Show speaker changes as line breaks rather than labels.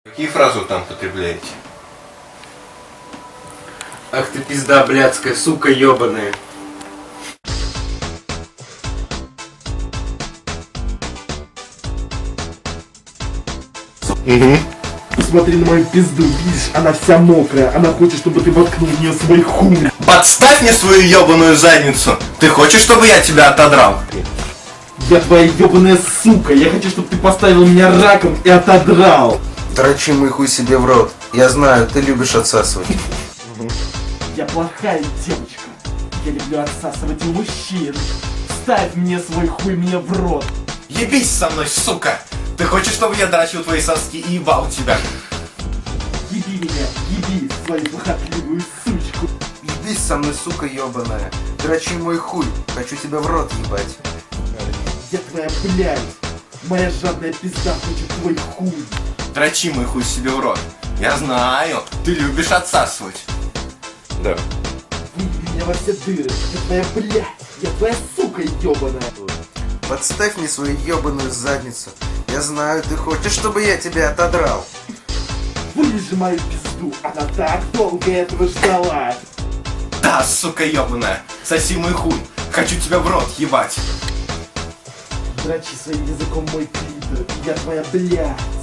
Какие фразы вы там потребляете?
Ах ты пизда блядская, сука ёбаная.
Угу.
Посмотри на мою пизду, видишь, она вся мокрая. Она хочет, чтобы ты воткнул в нее свой хуй.
Подставь мне свою ебаную задницу! Ты хочешь, чтобы я тебя отодрал?
Я твоя ебаная сука. Я хочу, чтобы ты поставил меня раком и отодрал.
Дрочи мой хуй себе в рот. Я знаю, ты любишь отсасывать.
Я плохая девочка. Я люблю отсасывать у мужчин. Ставь мне свой хуй мне в рот.
Ебись со мной, сука! Ты хочешь, чтобы я дрочил твои соски и ебал тебя?
Еби меня, еби свою похотливую сучку.
Ебись со мной, сука ебаная. Дрочи мой хуй. Хочу тебя в рот ебать.
Я твоя блядь. Моя жадная пизда хочет твой хуй.
Дрочи мой хуй себе в рот. Я знаю, ты любишь отсасывать. Да.
Выеби меня во все дыры. Я твоя блядь. Я твоя сука ебаная.
Подставь мне свою ебаную задницу. Я знаю, ты хочешь, чтобы я тебя отодрал.
Вылежи мою пизду. Она так долго этого ждала.
Да, сука ебаная. Соси мой хуй. Хочу тебя в рот ебать.
Дрочи своим языком мой клитор. Я твоя блядь.